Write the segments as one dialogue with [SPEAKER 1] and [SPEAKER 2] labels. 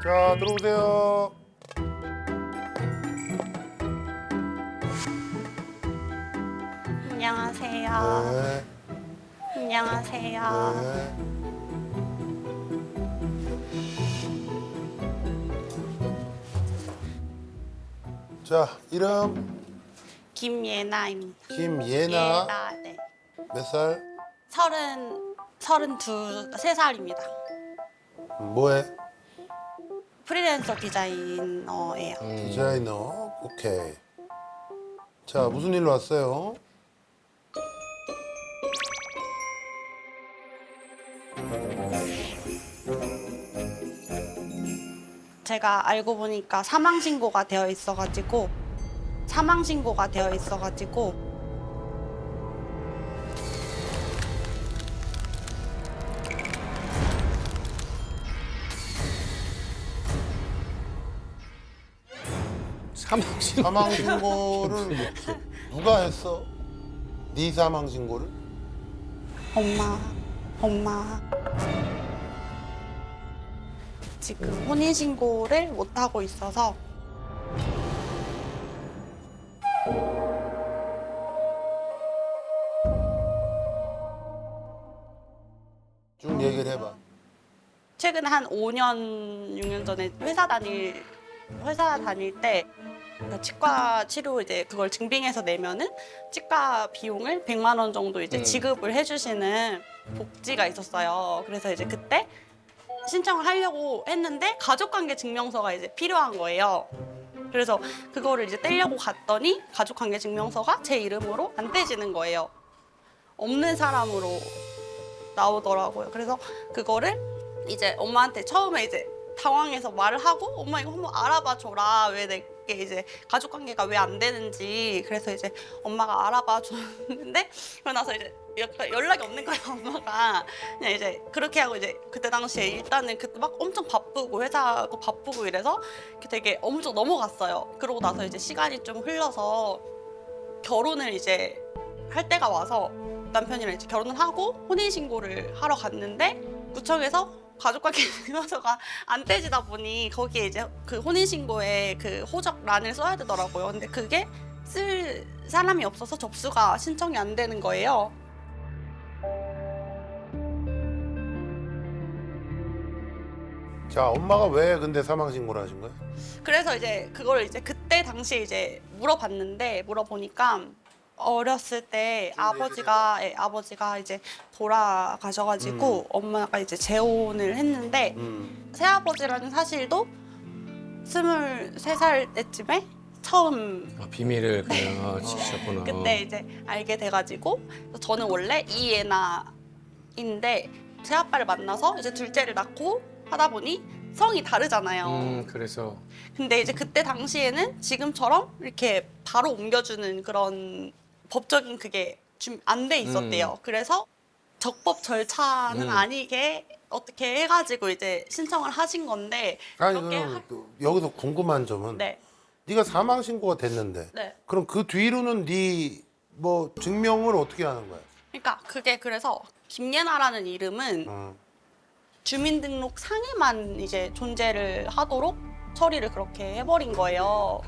[SPEAKER 1] 자, 들어오세요.
[SPEAKER 2] 안녕하세요.
[SPEAKER 1] 네.
[SPEAKER 2] 안녕하세요.
[SPEAKER 1] 네. 자, 이름
[SPEAKER 2] 김예나입니다.
[SPEAKER 1] 김예나.
[SPEAKER 2] 예나, 네.
[SPEAKER 1] 몇 살?
[SPEAKER 2] 33살입니다.
[SPEAKER 1] 뭐해?
[SPEAKER 2] 프리랜서 디자이너예요.
[SPEAKER 1] 디자이너. 오케이. 자, 무슨 일로 왔어요?
[SPEAKER 2] 제가 알고 보니까 사망 신고가 되어 있어가지고
[SPEAKER 3] 사망신
[SPEAKER 1] 사망 신고를 누가 했어? 네 사망 신고를?
[SPEAKER 2] 엄마 지금 혼인 신고를 못 하고 있어서
[SPEAKER 1] 쭉 얘기를 해봐.
[SPEAKER 2] 최근에 한 5년, 6년 전에 회사 다닐 때 그러니까 치과 치료 이제 그걸 증빙해서 내면은 치과 비용을 100만 원 정도 이제 지급을 해주시는 복지가 있었어요. 그래서 이제 그때 신청을 하려고 했는데 가족관계 증명서가 이제 필요한 거예요. 그래서 그거를 이제 떼려고 갔더니 가족관계 증명서가 제 이름으로 안 떼지는 거예요. 없는 사람으로 나오더라고요. 그래서 그거를 이제 엄마한테 처음에 이제 당황해서 말을 하고 엄마 이거 한번 알아봐 줘라. 왜 내게 이제 가족 관계가 왜 안 되는지. 그래서 이제 엄마가 알아봐 줬는데 그러고 나서 이제 연락이 없는 거예요, 엄마가. 그냥 이제 그렇게 하고 이제 그때 당시에 일단은 그때 막 엄청 바쁘고 회사도 바쁘고 이래서 되게 엄청 넘어갔어요. 그러고 나서 이제 시간이 좀 흘러서 결혼을 이제 할 때가 와서 남편이랑 이제 결혼을 하고 혼인신고를 하러 갔는데 구청에서 가족관계 증명서가 안 떼지다 보니 거기에 이제 그 혼인신고에 그 호적란을 써야 되더라고요. 근데 그게 쓸 사람이 없어서 접수가 신청이 안 되는 거예요.
[SPEAKER 1] 자, 엄마가 왜 근데 사망 신고를 하신 거야?
[SPEAKER 2] 그래서 이제 그걸 이제 그때 당시에 이제 물어보니까 어렸을 때 아버지가 이제 돌아가셔가지고 엄마가 이제 재혼을 했는데 새아버지라는 사실도 23살 때쯤에 처음
[SPEAKER 3] 비밀을 그냥 지키셨구나.
[SPEAKER 2] 그때 이제 알게 돼가지고 저는 원래 이예나인데 새아빠를 만나서 이제 둘째를 낳고 하다 보니 성이 다르잖아요.
[SPEAKER 3] 그래서
[SPEAKER 2] 근데 이제 그때 당시에는 지금처럼 이렇게 바로 옮겨주는 그런 법적인 그게 좀 안 돼 있었대요. 그래서 적법 절차는 아니게 어떻게 해가지고 이제 신청을 하신 건데
[SPEAKER 1] 아니,
[SPEAKER 2] 그렇게
[SPEAKER 1] 그럼 여기서 궁금한 점은
[SPEAKER 2] 네.
[SPEAKER 1] 네가 사망 신고가 됐는데
[SPEAKER 2] 네.
[SPEAKER 1] 그럼 그 뒤로는 네 뭐 증명을 어떻게 하는 거야?
[SPEAKER 2] 그러니까 그게 그래서 김예나라는 이름은
[SPEAKER 1] 어.
[SPEAKER 2] 주민등록 상에만 이제 존재를 하도록 처리를 그렇게 해버린 거예요.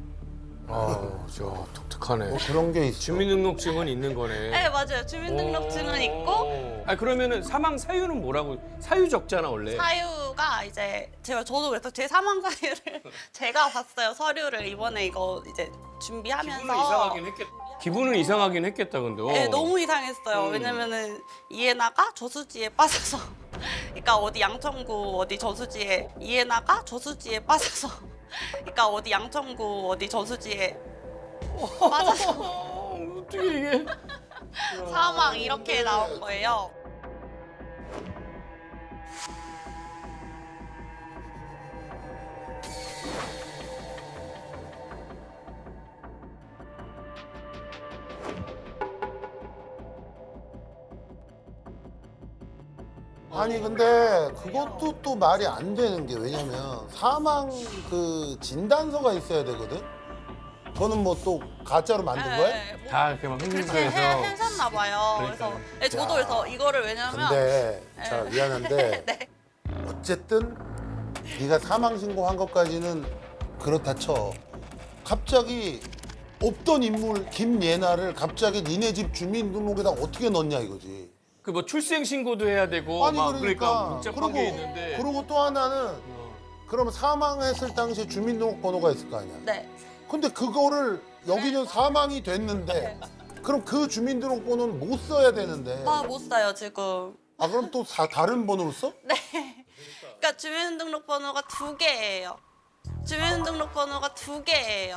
[SPEAKER 3] 저 독특하네.
[SPEAKER 1] 그런 게 있어.
[SPEAKER 3] 주민등록증은 있는 거네.
[SPEAKER 2] 네 맞아요. 주민등록증은 있고
[SPEAKER 3] 그러면은 사망 사유는 뭐라고? 사유 적잖아 원래.
[SPEAKER 2] 사유가 이제 저도 그래서 제 사망 사유를 제가 봤어요. 서류를 이번에 이거 이제 준비하면서
[SPEAKER 3] 기분은 이상하긴 했겠다 근데.
[SPEAKER 2] 네, 너무 이상했어요. 왜냐면은 이해나가 저수지에 빠져서 그러니까 어디 양천구 어디 저수지에 이해나가 저수지에 빠져서 그러니까 어디 양천구 어디 저수지에 빠져서
[SPEAKER 3] 어떻게 이게?
[SPEAKER 2] 사망 이렇게 나온 거예요.
[SPEAKER 1] 아니 근데 그것도 또 말이 안 되는 게 왜냐면 사망 그 진단서가 있어야 되거든. 그거는 뭐 또 가짜로 만든 거야?
[SPEAKER 2] 네, 뭐
[SPEAKER 3] 다 이렇게 막
[SPEAKER 2] 그렇게
[SPEAKER 3] 흥분해서.
[SPEAKER 2] 했었나 봐요. 그래서 네, 저도 그래서 이거를 왜냐면
[SPEAKER 1] 근데 자 미안한데
[SPEAKER 2] 네.
[SPEAKER 1] 어쨌든 네가 사망 신고한 것까지는 그렇다 쳐. 갑자기 없던 인물 김예나를 갑자기 니네 집 주민등록에다 어떻게 넣냐 이거지.
[SPEAKER 3] 그 뭐 출생 신고도 해야 되고
[SPEAKER 1] 아니
[SPEAKER 3] 막
[SPEAKER 1] 그러니까
[SPEAKER 3] 복잡한 게 있는데.
[SPEAKER 1] 그리고 또 하나는 그러면 사망했을 당시에 주민등록 번호가 있을 거 아니야.
[SPEAKER 2] 네.
[SPEAKER 1] 근데 그거를 여기는 사망이 됐는데 그럼 그 주민등록 번호는 못 써야 되는데.
[SPEAKER 2] 아, 못 써요, 지금.
[SPEAKER 1] 아 그럼 또 다른 번호로 써?
[SPEAKER 2] 네. 그러니까 주민등록번호가 2개예요. 주민등록번호가 2개예요.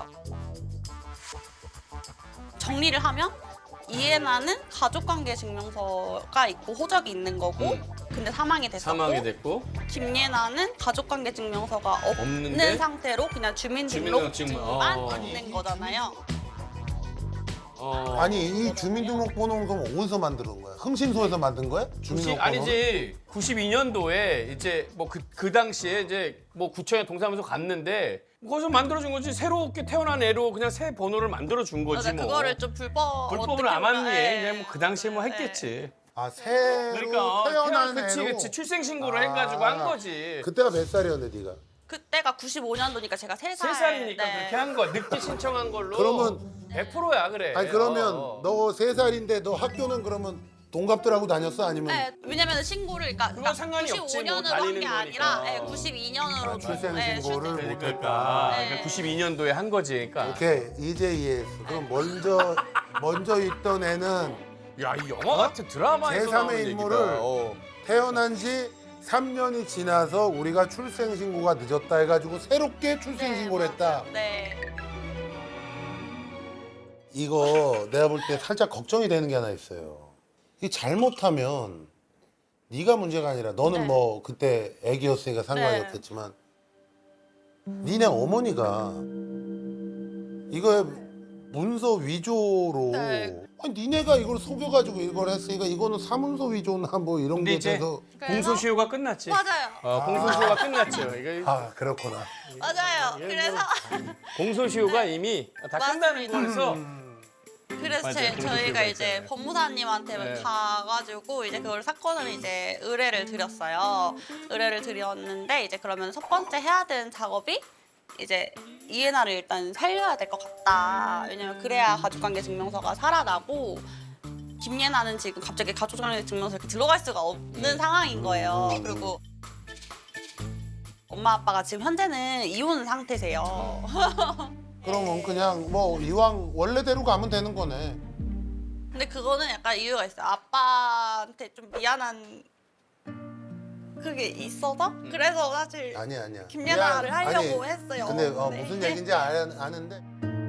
[SPEAKER 2] 정리를 하면 이해나는 가족관계 증명서가 있고 호적이 있는 거고 근데 사망이 됐었고
[SPEAKER 3] 사망이 됐고
[SPEAKER 2] 김예나는 가족관계 증명서가 없는
[SPEAKER 3] 없는데?
[SPEAKER 2] 상태로 그냥 주민등록증만
[SPEAKER 3] 주민등록증만.
[SPEAKER 2] 있는 거잖아요.
[SPEAKER 1] 아니 이 주민등록 번호는 그럼 어디서 만드는 거야? 흥신소에서 만든 거야? 주민등록 번호?
[SPEAKER 3] 아니지 92년도에 이제 뭐 그 당시에 이제 뭐 구청에 동사무소 갔는데 거기서 만들어준 거지. 새롭게 태어난 애로 그냥 새 번호를 만들어준 거지
[SPEAKER 2] 맞아,
[SPEAKER 3] 뭐.
[SPEAKER 2] 그거를 좀
[SPEAKER 3] 불법을
[SPEAKER 2] 어떻게
[SPEAKER 3] 안
[SPEAKER 2] 보면,
[SPEAKER 3] 하니
[SPEAKER 2] 예.
[SPEAKER 3] 그냥 뭐 그 당시에 뭐 했겠지.
[SPEAKER 1] 아 새로
[SPEAKER 3] 그러니까
[SPEAKER 1] 태어난
[SPEAKER 3] 그치
[SPEAKER 1] 애로?
[SPEAKER 3] 그치 출생 신고를
[SPEAKER 1] 아.
[SPEAKER 3] 해가지고 한 거지.
[SPEAKER 1] 그때가 몇 살이었는데 네가?
[SPEAKER 2] 그때가 95년도니까 제가 3살.
[SPEAKER 3] 3살이니까
[SPEAKER 2] 네.
[SPEAKER 3] 그렇게 한 거야. 늦게 신청한 걸로.
[SPEAKER 1] 그러면
[SPEAKER 3] 100%야 그래.
[SPEAKER 1] 아니 그러면 너 3살인데 너 학교는 그러면 동갑들하고 다녔어? 아니면
[SPEAKER 2] 네, 왜냐면 신고를 그러니까
[SPEAKER 3] 상관이 없지, 뭐
[SPEAKER 2] 95년으로 한
[SPEAKER 3] 다니는
[SPEAKER 2] 게 아니라
[SPEAKER 3] 거니까.
[SPEAKER 2] 92년으로
[SPEAKER 1] 출생 신고를 못 했다.
[SPEAKER 3] 그러니까 92년도에 한 거지. 그러니까.
[SPEAKER 1] 오케이 이제 이해했어. 그럼 먼저 있던 애는
[SPEAKER 3] 야, 이 영화 같은 드라마에서
[SPEAKER 1] 제3의
[SPEAKER 3] 나오는
[SPEAKER 1] 인물을
[SPEAKER 3] 얘기다.
[SPEAKER 1] 태어난 지 3년이 지나서 우리가 출생 신고가 늦었다 해가지고 새롭게 출생 신고를 했다.
[SPEAKER 2] 네.
[SPEAKER 1] 이거 내가 볼 때 살짝 걱정이 되는 게 하나 있어요. 이게 잘못하면 네가 문제가 아니라 너는
[SPEAKER 2] 네.
[SPEAKER 1] 뭐 그때 애기였으니까 상관이
[SPEAKER 2] 네.
[SPEAKER 1] 없겠지만 니네 어머니가 이거에 문서 위조로
[SPEAKER 2] 네.
[SPEAKER 1] 아니 니네가 이걸 속여가지고 이걸 했으니까 이거는 사문서 위조나 뭐 이런
[SPEAKER 3] 근데
[SPEAKER 1] 게
[SPEAKER 3] 이제
[SPEAKER 1] 돼서
[SPEAKER 3] 공소시효가 끝났지.
[SPEAKER 2] 맞아요.
[SPEAKER 3] 공소시효가 끝났죠. 이거
[SPEAKER 1] 아 그렇구나.
[SPEAKER 2] 맞아요. 그래서
[SPEAKER 3] 공소시효가 이미 다 끝나는
[SPEAKER 2] 맞습니다.
[SPEAKER 3] 거라서
[SPEAKER 2] 그래서
[SPEAKER 3] 맞아요.
[SPEAKER 2] 저희가
[SPEAKER 3] 공소시효가
[SPEAKER 2] 이제
[SPEAKER 3] 있잖아요.
[SPEAKER 2] 법무사님한테
[SPEAKER 3] 네.
[SPEAKER 2] 가가지고 이제 그걸 사건을 이제 의뢰를 드렸어요. 의뢰를 드렸는데 이제 그러면 첫 번째 해야 되는 작업이 이제 이해나를 일단 살려야 될 것 같다. 왜냐면 그래야 가족관계 증명서가 살아나고 김예나는 지금 갑자기 가족관계 증명서 이렇게 들어갈 수가 없는 상황인 거예요. 그리고 엄마 아빠가 지금 현재는 이혼 상태세요.
[SPEAKER 1] 그러면 그냥 뭐 이왕 원래대로 가면 되는 거네.
[SPEAKER 2] 근데 그거는 약간 이유가 있어요. 아빠한테 좀 미안한 그게 있어서 그래서 사실
[SPEAKER 1] 아니야.
[SPEAKER 2] 김예나를
[SPEAKER 1] 미안.
[SPEAKER 2] 하려고
[SPEAKER 1] 아니,
[SPEAKER 2] 했어요.
[SPEAKER 1] 근데
[SPEAKER 2] 네.
[SPEAKER 1] 무슨 얘기인지 아는데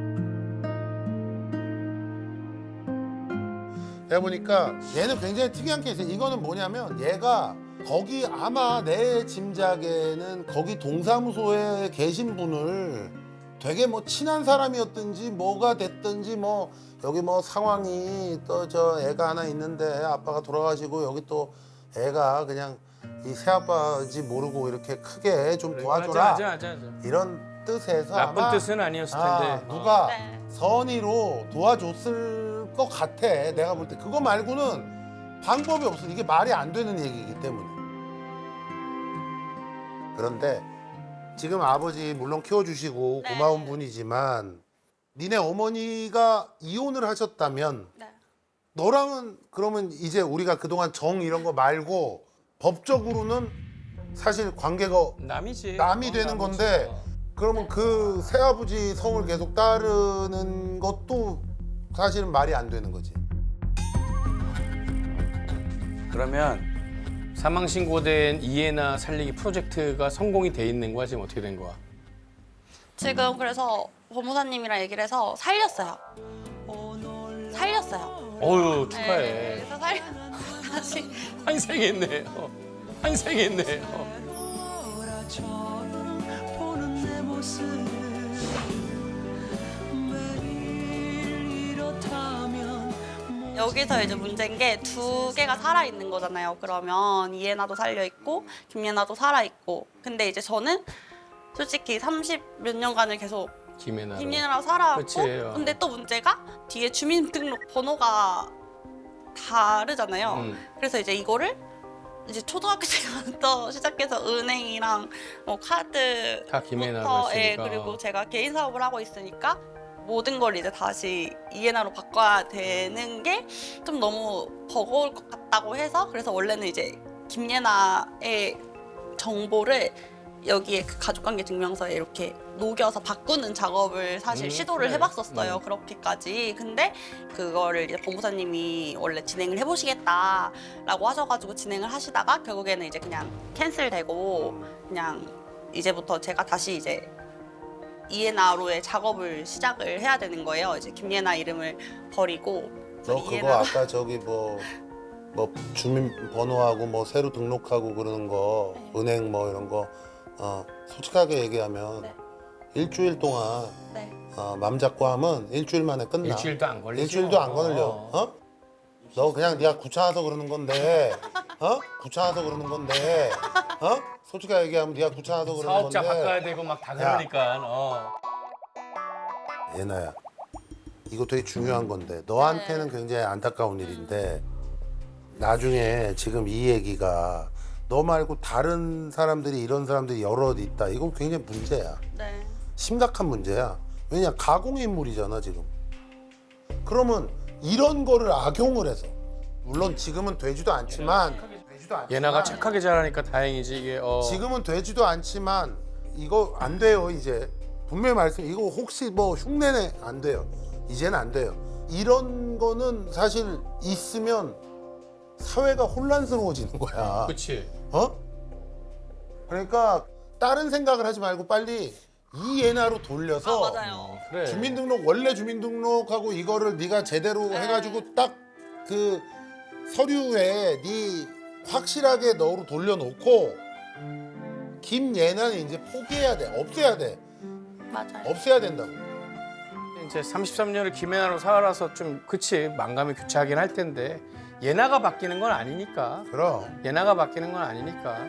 [SPEAKER 1] 내가 보니까 얘는 굉장히 특이한 케이스예요. 이거는 뭐냐면 얘가 거기 아마 내 짐작에는 거기 동사무소에 계신 분을 되게 뭐 친한 사람이었든지 뭐가 됐든지 뭐 여기 뭐 상황이 또 저 애가 하나 있는데 아빠가 돌아가시고 여기 또 애가 그냥 이 새아빠인지 모르고 이렇게 크게 좀 도와줘라
[SPEAKER 3] 맞아.
[SPEAKER 1] 이런 뜻에서
[SPEAKER 3] 나쁜
[SPEAKER 1] 아마
[SPEAKER 3] 뜻은 아니었을 텐데.
[SPEAKER 1] 누가
[SPEAKER 2] 네.
[SPEAKER 1] 선의로 도와줬을 것 같아. 내가 볼 때 그거 말고는 방법이 없어. 이게 말이 안 되는 얘기이기 때문에. 그런데 지금 아버지 물론 키워주시고
[SPEAKER 2] 네.
[SPEAKER 1] 고마운 분이지만 니네 어머니가 이혼을 하셨다면
[SPEAKER 2] 네.
[SPEAKER 1] 너랑은 그러면 이제 우리가 그동안 정 이런 거 말고 법적으로는 사실 관계가
[SPEAKER 3] 남이지.
[SPEAKER 1] 남이 되는
[SPEAKER 3] 남이지.
[SPEAKER 1] 건데 그러면 그 새아버지 성을 계속 따르는 것도 사실은 말이 안 되는 거지.
[SPEAKER 3] 그러면 사망 신고된 이해나 살리기 프로젝트가 성공이 돼 있는 거야? 지금 어떻게 된 거야?
[SPEAKER 2] 지금 그래서 법무사님이랑 얘기를 해서 살렸어요. 살렸어요.
[SPEAKER 3] 어유 축하해.
[SPEAKER 2] 네, 그래서 다시
[SPEAKER 3] 환생했네. 환생했네.
[SPEAKER 4] 보는 내 모습 매일 이렇다면
[SPEAKER 2] 여기서 이제 문제인 게 2개가 살아 있는 거잖아요. 그러면 이해나도 살려 있고 김예나도 살아 있고. 근데 이제 저는 솔직히 30 몇 년간을 계속
[SPEAKER 3] 김혜나로.
[SPEAKER 2] 김예나랑 살아왔고.
[SPEAKER 3] 그치,
[SPEAKER 2] 근데 또 문제가 뒤에 주민등록 번호가 다르잖아요. 그래서 이제 이거를 이제 초등학교 때부터 시작해서 은행이랑 뭐 카드
[SPEAKER 3] 다 김혜나로
[SPEAKER 2] 부터,
[SPEAKER 3] 했으니까.
[SPEAKER 2] 그리고 제가 개인 사업을 하고 있으니까 모든 걸 이제 다시 이해나로 바꿔야 되는 게 좀 너무 버거울 것 같다고 해서 그래서 원래는 이제 김예나의 정보를 여기에 그 가족관계 증명서에 이렇게 녹여서 바꾸는 작업을 사실 시도를
[SPEAKER 3] 그래.
[SPEAKER 2] 해봤었어요. 그렇게까지. 근데 그거를 이제 법무사님이 원래 진행을 해보시겠다라고 하셔가지고 진행을 하시다가 결국에는 이제 그냥 캔슬되고 그냥 이제부터 제가 다시 이제 이에나로의 작업을 시작을 해야 되는 거예요. 이제 김예나 이름을 버리고
[SPEAKER 1] 너 그거 아까 저기 뭐 주민번호하고 뭐 새로 등록하고 그러는 거 은행 뭐 이런 거 솔직하게 얘기하면
[SPEAKER 2] 네.
[SPEAKER 1] 일주일 동안
[SPEAKER 2] 네.
[SPEAKER 1] 맘 잡고 하면 일주일 만에 끝나.
[SPEAKER 3] 일주일도 안 걸리죠.
[SPEAKER 1] 일주일도 안 걸려. 너 그냥 네가 귀찮아서 그러는 건데, 귀찮아서 그러는 건데, 솔직하게 얘기하면 네가 귀찮아서 그러는
[SPEAKER 3] 사업자
[SPEAKER 1] 건데.
[SPEAKER 3] 바꿔야 되고 막 다 그러니까.
[SPEAKER 1] 예나야, 이거 되게 중요한 건데 너한테는 굉장히 안타까운 일인데 나중에 지금 이 얘기가 너 말고 다른 사람들이 이런 사람들이 여럿 있다. 이건 굉장히 문제야.
[SPEAKER 2] 네.
[SPEAKER 1] 심각한 문제야. 왜냐 가공의 인물이잖아 지금. 그러면 이런 거를 악용을 해서 물론 지금은 되지도 않지만
[SPEAKER 3] 예나가 착하게 자라니까 다행이지 이게.
[SPEAKER 1] 지금은 되지도 않지만 이거 안 돼요 이제. 분명히 말씀 이거 혹시 뭐 흉내내 안 돼요. 이제는 안 돼요. 이런 거는 사실 있으면 사회가 혼란스러워지는 거야.
[SPEAKER 3] 그렇지.
[SPEAKER 1] 그러니까 다른 생각을 하지 말고 빨리 이 예나로 돌려서
[SPEAKER 2] 맞아요.
[SPEAKER 3] 그래.
[SPEAKER 1] 주민등록 원래 주민등록하고 이거를 네가 제대로 해가지고 딱 그 서류에 네 확실하게 너로 돌려놓고 김예나는 이제 포기해야 돼. 없애야 돼.
[SPEAKER 2] 맞아요.
[SPEAKER 1] 없애야 된다고.
[SPEAKER 3] 이제 33년을 김혜나로 살아서 좀 그치 망감이 교차하긴 할 텐데 예나가 바뀌는 건 아니니까.
[SPEAKER 1] 그럼.
[SPEAKER 3] 예나가 바뀌는 건 아니니까.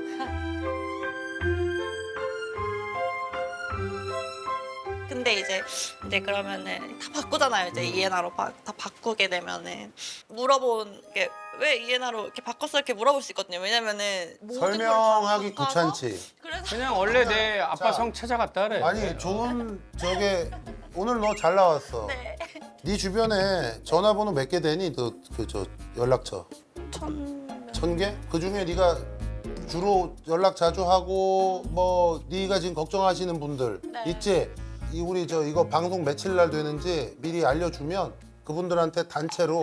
[SPEAKER 2] 근데 이제 그러면은 다 바꾸잖아요. 이제 이에나로 다 바꾸게 되면은 물어본 게 왜 이에나로 이렇게 바꿨어 이렇게 물어볼 수 있거든요. 왜냐면은 모든 걸다
[SPEAKER 1] 설명하기
[SPEAKER 2] 바꿔서
[SPEAKER 1] 귀찮지.
[SPEAKER 2] 그래서
[SPEAKER 3] 그냥 원래 내 아빠
[SPEAKER 1] 자.
[SPEAKER 3] 성 찾아갔다 그래.
[SPEAKER 1] 아니 좋은 저게 오늘 너 잘 나왔어.
[SPEAKER 2] 네.
[SPEAKER 1] 네 주변에 전화번호 몇 개 되니? 저 연락처 1,000개? 그 중에 네가 주로 연락 자주 하고 뭐 네가 지금 걱정하시는 분들
[SPEAKER 2] 네.
[SPEAKER 1] 있지? 우리 이거 방송 며칠 날 되는지 미리 알려주면 그분들한테 단체로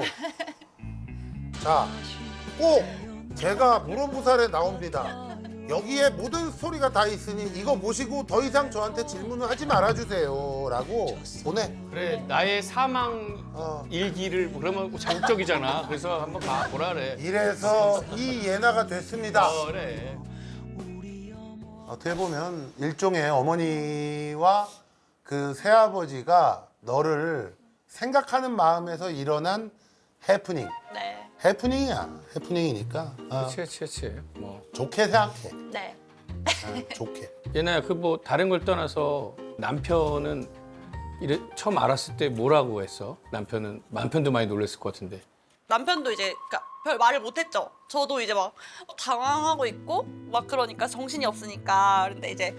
[SPEAKER 1] 자 꼭 제가 물어보살에 나옵니다. 여기에 모든 스토리가 다 있으니 이거 보시고 더 이상 저한테 질문을 하지 말아주세요 라고 보내.
[SPEAKER 3] 그래 나의 사망 일기를 그러면 자극적이잖아. 그래서 한번 보라 그래.
[SPEAKER 1] 이래서 이 예나가 됐습니다.
[SPEAKER 3] 그래.
[SPEAKER 1] 어떻게 보면 일종의 어머니와 그 새아버지가 너를 생각하는 마음에서 일어난 해프닝.
[SPEAKER 2] 네.
[SPEAKER 1] 해프닝이야. 해프닝이니까
[SPEAKER 3] 그렇지. 뭐
[SPEAKER 1] 좋게 생각해.
[SPEAKER 2] 네.
[SPEAKER 1] 좋게.
[SPEAKER 3] 예나야 그 뭐 다른 걸 떠나서 남편은 처음 알았을 때 뭐라고 했어? 남편도 많이 놀랐을 것 같은데.
[SPEAKER 2] 남편도 이제 그러니까 별 말을 못했죠. 저도 이제 막 당황하고 있고 막 그러니까 정신이 없으니까. 근데 이제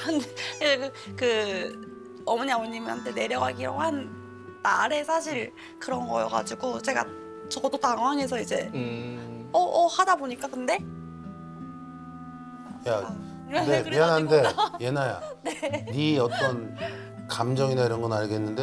[SPEAKER 2] 그 어머니 아버님한테 내려가기로 한 날에 사실 그런 거여가지고 저도 당황해서 이제 하다 보니까 근데
[SPEAKER 1] 야, 근데
[SPEAKER 2] 그래가지고-
[SPEAKER 1] 미안한데 예나야. 네 어떤 감정이나 이런 건 알겠는데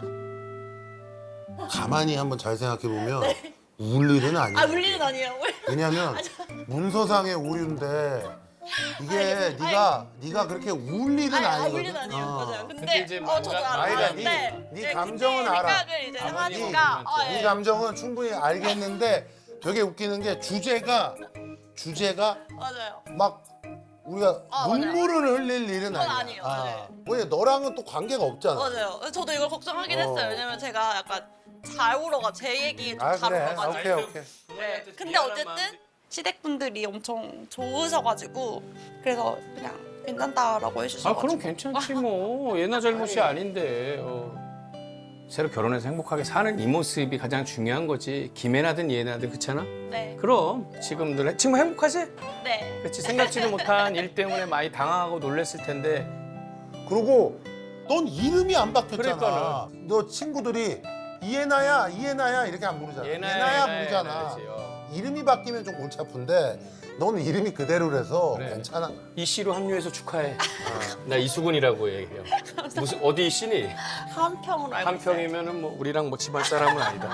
[SPEAKER 1] 가만히 한번 잘 생각해 보면 울 일은 아니야.
[SPEAKER 2] 울 일은 아니에요.
[SPEAKER 1] 왜냐면 문서상의 오류인데 이게 네가 그렇게 울 일은 아니거든.
[SPEAKER 2] 울 일은 아니에요. 맞아요.
[SPEAKER 3] 근데
[SPEAKER 2] 근데
[SPEAKER 3] 이제
[SPEAKER 2] 저도
[SPEAKER 3] 뭔가-
[SPEAKER 2] 알아요.
[SPEAKER 1] 아이가
[SPEAKER 2] 네.
[SPEAKER 1] 네 감정은
[SPEAKER 2] 그때
[SPEAKER 1] 알아.
[SPEAKER 2] 생각을 이제
[SPEAKER 3] 아버님,
[SPEAKER 2] 하니까
[SPEAKER 1] 네 감정은 충분히 알겠는데 되게 웃기는 게 주제가
[SPEAKER 2] 맞아요.
[SPEAKER 1] 막 우리가
[SPEAKER 2] 맞아요.
[SPEAKER 1] 눈물을 흘릴 일은
[SPEAKER 2] 그건
[SPEAKER 1] 아니야.
[SPEAKER 2] 아니에요. 네.
[SPEAKER 1] 왜 너랑은 또 관계가 없잖아.
[SPEAKER 2] 맞아요. 저도 이걸 걱정하긴 했어요. 왜냐면 제가 약간 잘 울어가 제 얘기에 좀 잘
[SPEAKER 1] 그래.
[SPEAKER 2] 울어가지고.
[SPEAKER 1] 오케이.
[SPEAKER 2] 네. 근데 어쨌든 시댁분들이 엄청 좋으셔가지고 그래서 그냥 괜찮다라고 해주셔가지고.
[SPEAKER 3] 그럼 괜찮지 뭐. 예나 잘못이 아닌데. 새로 결혼해서 행복하게 사는 이 모습이 가장 중요한 거지. 김혜나든 이혜나든 그렇잖아?
[SPEAKER 2] 네.
[SPEAKER 3] 그럼 지금 행복하지?
[SPEAKER 2] 네.
[SPEAKER 3] 그렇지. 생각지도 못한 일 때문에 많이 당황하고 놀랬을 텐데.
[SPEAKER 1] 그리고 넌 이름이 안 바뀌었잖아.
[SPEAKER 3] 그러니까는.
[SPEAKER 1] 너 친구들이 이해나야 이렇게 안 부르잖아. 예나야 부르잖아. 이름이 바뀌면 좀 골치 아픈데 너는 이름이 그대로라서
[SPEAKER 3] 그래.
[SPEAKER 1] 괜찮아.
[SPEAKER 3] 이 씨로 합류해서 축하해. 나 이수근이라고 얘기해요. 무슨 어디 씨니?
[SPEAKER 2] 한평으로 알고 있어요.
[SPEAKER 3] 한평이면은 뭐 우리랑 뭐 집안 사람은 아니다.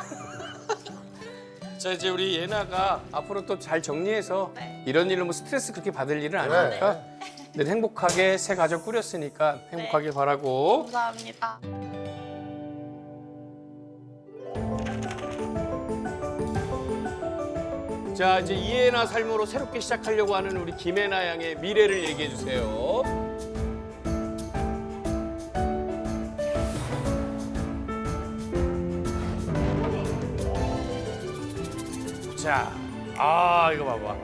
[SPEAKER 3] 자 이제 우리 예나가 앞으로 또 잘 정리해서
[SPEAKER 2] 네.
[SPEAKER 3] 이런 일로 뭐 스트레스 그렇게 받을 일은
[SPEAKER 1] 그래.
[SPEAKER 3] 아니니까 늘 행복하게 새 가족 꾸렸으니까 행복하게 바라고.
[SPEAKER 2] 감사합니다.
[SPEAKER 3] 자 이제 이혜나 삶으로 새롭게 시작하려고 하는 우리 김혜나 양의 미래를 얘기해 주세요. 자, 이거 봐봐.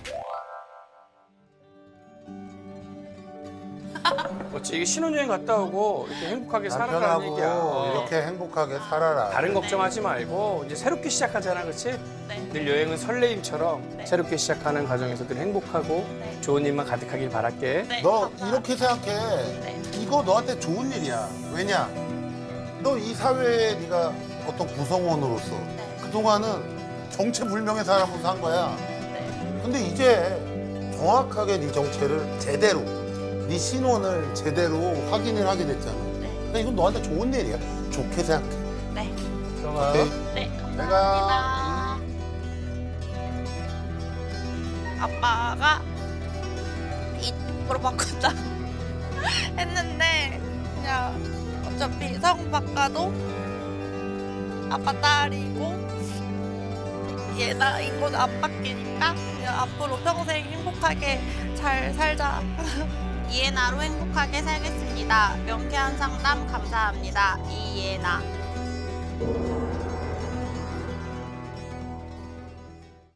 [SPEAKER 3] 어찌 이게 신혼여행 갔다 오고 이렇게 행복하게 살아가는 얘기야.
[SPEAKER 1] 남편하고 이렇게 행복하게 살아라.
[SPEAKER 3] 다른 걱정하지 말고 이제 새롭게 시작하잖아, 그렇지?
[SPEAKER 2] 네.
[SPEAKER 3] 늘 여행은 설레임처럼
[SPEAKER 2] 네.
[SPEAKER 3] 새롭게 시작하는 과정에서 늘 행복하고
[SPEAKER 2] 네.
[SPEAKER 3] 좋은 일만 가득하길 바랄게.
[SPEAKER 2] 네.
[SPEAKER 1] 너
[SPEAKER 2] 감사합니다.
[SPEAKER 1] 이렇게 생각해.
[SPEAKER 2] 네.
[SPEAKER 1] 이거 너한테 좋은 일이야. 왜냐? 너 이 사회에 네가 어떤 구성원으로서
[SPEAKER 2] 네.
[SPEAKER 1] 그동안은 정체불명의 사람으로 산 거야.
[SPEAKER 2] 네.
[SPEAKER 1] 근데 이제 정확하게 네 정체를 제대로, 네 신원을 제대로 확인을 하게 됐잖아.
[SPEAKER 2] 네.
[SPEAKER 1] 그러니까 이건 너한테 좋은 일이야. 좋게 생각해.
[SPEAKER 2] 네.
[SPEAKER 3] 들어가.
[SPEAKER 1] 오케이?
[SPEAKER 2] 네.
[SPEAKER 1] 내가
[SPEAKER 2] 감사합니다. 아빠가 이쪽으로 바꾼다 했는데 그냥 어차피 성 바꿔도 아빠 딸이고 얘 나인 건 안 바뀌니까 그냥 앞으로 평생 행복하게 잘 살자. 이해나로 행복하게 살겠습니다. 명쾌한 상담 감사합니다. 이해나.